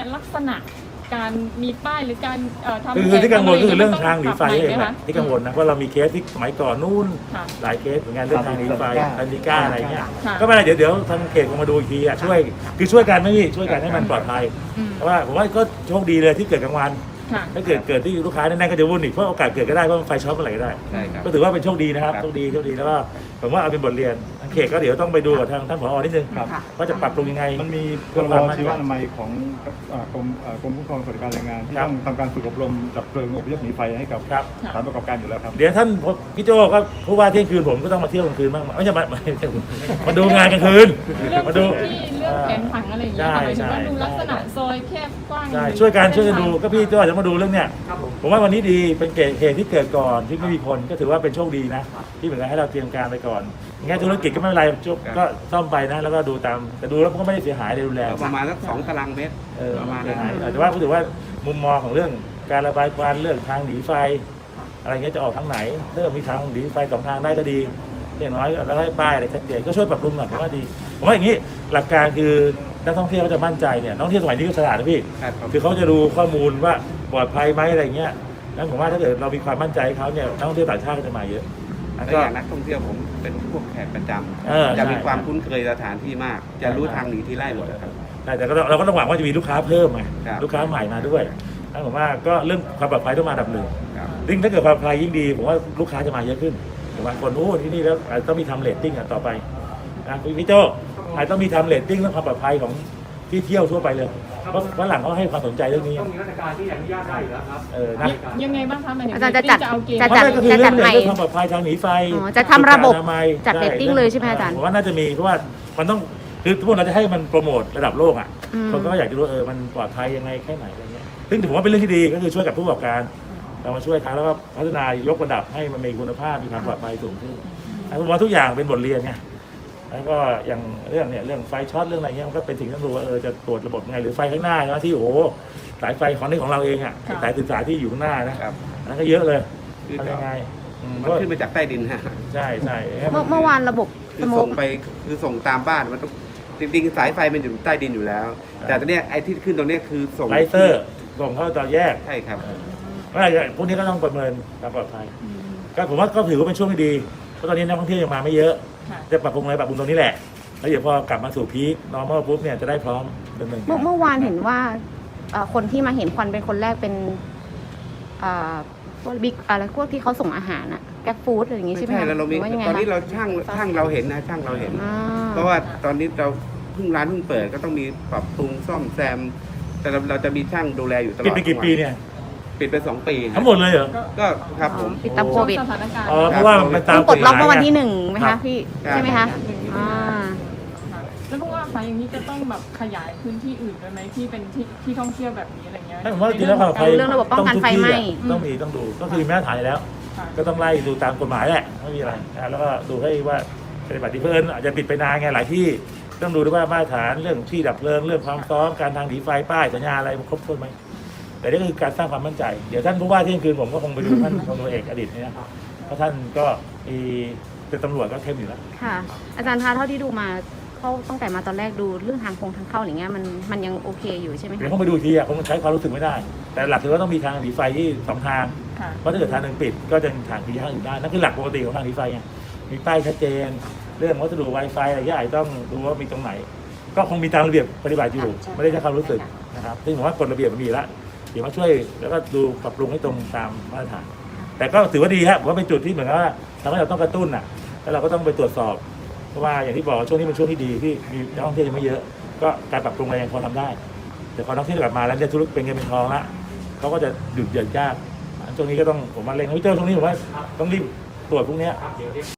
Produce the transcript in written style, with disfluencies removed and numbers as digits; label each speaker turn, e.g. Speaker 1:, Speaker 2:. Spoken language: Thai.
Speaker 1: ลักษณะการมีป้ายหรือการทำ
Speaker 2: คือที่กังวลก็คือเรื่องทางหนีไฟ
Speaker 1: เอ
Speaker 2: เองแหละที่กังวลนะว่าเรามีเคสที่สมัยก่อนนู่นหลายเคสเหมือนกันเรื่องทางหนีไฟอันดิก้าอะไรเงี้ยก็ไม่เป็นไรเดี๋ยวทางเขตคงมาดูอีกทีอ่ะช่วยกันไม่พี่ช่วยกันให้มันปลอดภัยเพราะว่าผมว่าก็โชคดีเลยที่เกิดกลางวันถ้าเกิดที่ลูกค้าแน่ๆก็จะวุ่นอีกเพราะโอกาสเกิดก็ได้เพราะไฟช็อตเมื่อไหร่ก็ได้ก็ถือว่าเป็นโชคดีนะครับโชคดีแล้วก็ผมว่าเอาเป็นบทเรียนทางเขตก็เดี๋ยวต้องไปดูกับทางท่านผอนิดนึงว่าจะปรับปรุงยังไง
Speaker 3: มันมีพรบชีวอนามัยของกรมคุ้มครองสวัสดิการแรงงานที่ต้องทำการฝึกอบรมดับเพลิงอพยพหนีไฟให้กับสถานประกอบการอยู่แล้วครับ
Speaker 2: เดี๋ยวท่านพี่โจก็ผู้ว่าเที่ยงคืนผมก็ต้องมาเที่ยวกลางคืนบ้างไม่ใช่มาดูงานกลางคืนมาดู
Speaker 1: เรื่องแผนผังอะไรอย่างเงี้ยหมายถึงว่าดูลักษณะซอยแคบกว้าง
Speaker 2: ใช่ช่วยกันดูก็พี่โจจะมาดูเรื่องเนี้ยผมว่าวันนี้ดีเป็นเหตุที่เกิดก่อนที่ไม่มีคนก็ถือว่าเป็นโชคดีนะที่เหมือนกันให้เราเตรียมการไปก่อนงั้นธุรกิจก็ไม่เป็นไรก็ซ่อมไปนะแล้วก็ดูตามแต่ดูแล้วก็ไม่ได้เสียหายเลยรุนแรง
Speaker 4: ประมาณสัก2 ตารางเมตรประมาณนั้น
Speaker 2: แต่ว่าถือว่ามุมมองของเรื่องการระบายควันเรื่องทางหนีไฟอะไรเงี้ยจะออกทางไหนเริ่มมีทางหนีไฟ2 ทางได้ก็ดีอย่างน้อยแล้วให้ป้ายอะไรชัดเจนก็ช่วยปรับปรุงหน่อยผมว่าดีผมว่าอย่างนี้หลักการคือนักท่องเที่ยวเขาจะมั่นใจเนี่ยนักท่องเที่ยวสมัยนี้ก็ฉลาดนะพี่คือเขาจะดูข้อมูลว่าปลอดภัยไหมอะไรเงี้ยแล้วผมว่าถ้าเกิดเรามีความมั่นใจเขาเนี่ยนักท่องเที่ยวต่างชาติก็จะมาเยอะ
Speaker 4: แล้วอย่างนักท่องเที่ยวผมเป็นพวกแขกประจำจะมีความคุ้นเคยสถานที่มากจะรู้ทางหนีที่ไล่หมดครับ
Speaker 2: แต่เราก็ต้องหวังว่าจะมีลูกค้าเพิ่มไงลูกค้าใหม่มาด้วยแล้วผมว่าก็เรื่องความปลอดภัยต้องมาอันดับหนึ่งยิ่งถ้าเกิดความปลอดภัยยิ่งดีผมว่าลูกค้าจะมาเยอะขึ้นผมว่าคนที่นี่แล้วต้องมีทำเรตติ้งต่อไปนะพี่โจ้อาจต้องมีทำเรตติ้งเรื่องความปลอดภัยของที่เที่ยวทั่วไปเลยเพราะว่าหลังเขาให้ความสนใจเรื่องนี้
Speaker 5: ต้องมีมาตรการที่อนุญาตได้อยู่แล้วครับ
Speaker 1: ยังไงบ้างคะหมายถึง
Speaker 6: อาจารย์จะจัด
Speaker 2: ก็คือเรื่องความปลอดภัยทางหนีไฟ
Speaker 6: จะทำระบบจัดเรตติ้งเลยใช่ไหมอาจารย์
Speaker 2: ผมว่าน่าจะมีเพราะว่ามันต้องคือพวกเราจะให้มันโปรโมทระดับโลกอ่ะคนก็อยากจะรู้มันปลอดภัยยังไงแค่ไหนอะไรเงี้ยซึ่งผมว่าเป็นเรื่องที่ดีก็คือช่วยกับผู้ประกอบการเรามาช่วยเขาแล้วก็พัฒนายกระดับให้มันมีคุณภาพมีความปลอดภัยสูงขึ้นผมว่าทุกอย่างเป็นบทเรียนไงแล้วก็อย่างเรื่องไฟช็อตเรื่องอะไรเงี้ยมันก็เป็นสิ่งที่ต้องดูว่าจะตรวจระบบไงหรือไฟข้างหน้าที่โอ้โหสายไฟของเราเองอ่ะสายสื่อสารที่อยู่ข้างหน้านะนั่นก็เยอะเลยทำยังไง
Speaker 4: มันขึ้นมาจากใต้ดินฮะ
Speaker 2: ใช่
Speaker 6: เมื่อวานระบบ
Speaker 4: ส่งไปคือส่งตามบ้านมันต้องจริงๆสายไฟมันอยู่ใต้ดินอยู่แล้ว แต่ตอนนี้ไอ้ที่ขึ้นตรงนี้คือส่ง
Speaker 2: ไลเซอร์ส่งเข้าต่อแยก
Speaker 4: ใช่ครับ
Speaker 2: พวกนี้ก็ต้องประเมินความปลอดภัยก็ผมว่าก็ถือว่าเป็นช่วงที่ดีเพราะตอนนี้นักท่องเที่ยวยังมาไม่เยอะจะปรับปรุงอะไรปรับปรุงตรงนี้แหละแล้วเดี๋ยวพอกลับมาสู่พีค normal ปุ๊บเนี่ยจะได้พร้อมดำเนินการ
Speaker 6: เมื่อวานเห็นว่าคนที่มาเห็นควันเป็นคนแรกเป็นพวกบิ๊กอะไรพวกที่เขาส่งอาหารอะแกร็บฟู้ดอะไรอย่างงี้ใช่ไหม
Speaker 4: ใช่แล้วเรามีตอนนี้เราช่างเราเห็นนะช่างเราเห็นเพราะว่าตอนนี้เราร้านเพิ่งเปิดก็ต้องมีปรับปรุงซ่อมแซมแต่เราจะมีช่างดูแลอยู่ตลอด
Speaker 2: ปิดไปกี่ปีเนี่ย
Speaker 4: ปิดไป2 ปี
Speaker 2: ทั้งหมดเลยเหรอ
Speaker 4: ก็ครับผม
Speaker 6: ปิดตามโควิด
Speaker 2: เพราะว่ามันตาม
Speaker 6: ปลดล็อกเมื่อวันที่1ไหมคะพี่ใช่ไหมคะ
Speaker 1: แล้วพวกว่าไฟอย่างนี้จะต้องแบบขยายพื้นที่อื่นด้วยไหมที่เป็นที่ท่องเที่ยวแบบนี้อะไรเงี้ย
Speaker 2: ผมว่าจริงแล้ว
Speaker 6: เรื่องระบบป้องกันไฟไหม้
Speaker 2: ต้องดูก็คือมาตรฐานแล้วก็ต้องไล่ดูตามกฎหมายแหละไม่มีอะไรแล้วก็ดูให้ว่าปฏิบัติที่เพิ่นอาจจะปิดไปนานไงหลายที่ต้องดูด้วยว่ามาตรฐานเรื่องที่ดับเพลิงเรื่องความซ้อมการทางหนีไฟป้ายสัญญาอะไรมันครบถ้วนไหมแต่นี่ก็คือการสร้างความมั่นใจเดี๋ยวท่านผู้ว่าเที่ยงคืนผมก็คงไปดูท่านพลตำรวจเอกอดีตเนี่ยเพราะท่านก็เป็นตำรวจก็เข้มอยู่แล้ว
Speaker 6: ค่ะอาจารย์คะเท่าที่ดูมาเขาตั้งแต่มาตอนแรกดูเรื่องทางเข้าอย่างเงี้ยมันยังโอเคอยู่ใช่ไหม
Speaker 2: เดี๋ยวต้องไปดูทีคงใช้ความรู้สึกไม่ได้แต่หลักคือว่าต้องมีทางหนีไฟที่2 ทางเพราะถ้าเกิดทางหนึ่งปิดก็จะทางที่ทางอื่นได้นั่นคือหลักปกติของทางหนีไฟไงมีป้ายชัดเจนเรื่องวัสดุ Wi-Fi อะไรอย่างต้องดูว่ามีตรงไหนก็คงมีตามระเบียบปฏิบัติอยู่ไม่ได้ใช้ความรู้สึกนะครับซึ่งผมว่ากฎระเบียบมันมีแล้วเดี๋ยวมาช่วยแล้วก็ดูปรับปรุงให้ตรงตามมาตรฐานแต่ก็ถือว่าดีครับว่าเป็นจุดที่เหมือนกับว่าทำให้เราต้องกระตุ้นแล้วเราก็ต้องไปตรวจสอบเพราะว่าอย่างที่บอกช่วงนี้เป็นช่วงที่ดีที่มีนักท่องเที่ยวยังไม่เยอะก็การปรับปรุงอะไรยังพอทำได้แต่พอนักท่องเที่ยวกลับมาแล้วจะธุรกิจเป็นเงินเป็นทองละเขาก็จะหยุดยากช่วงนี้ก็ต้องผมมาเร่งพี่เจ้าช่วงนี้ผมว่าต้องรีบตรวจพวกนี้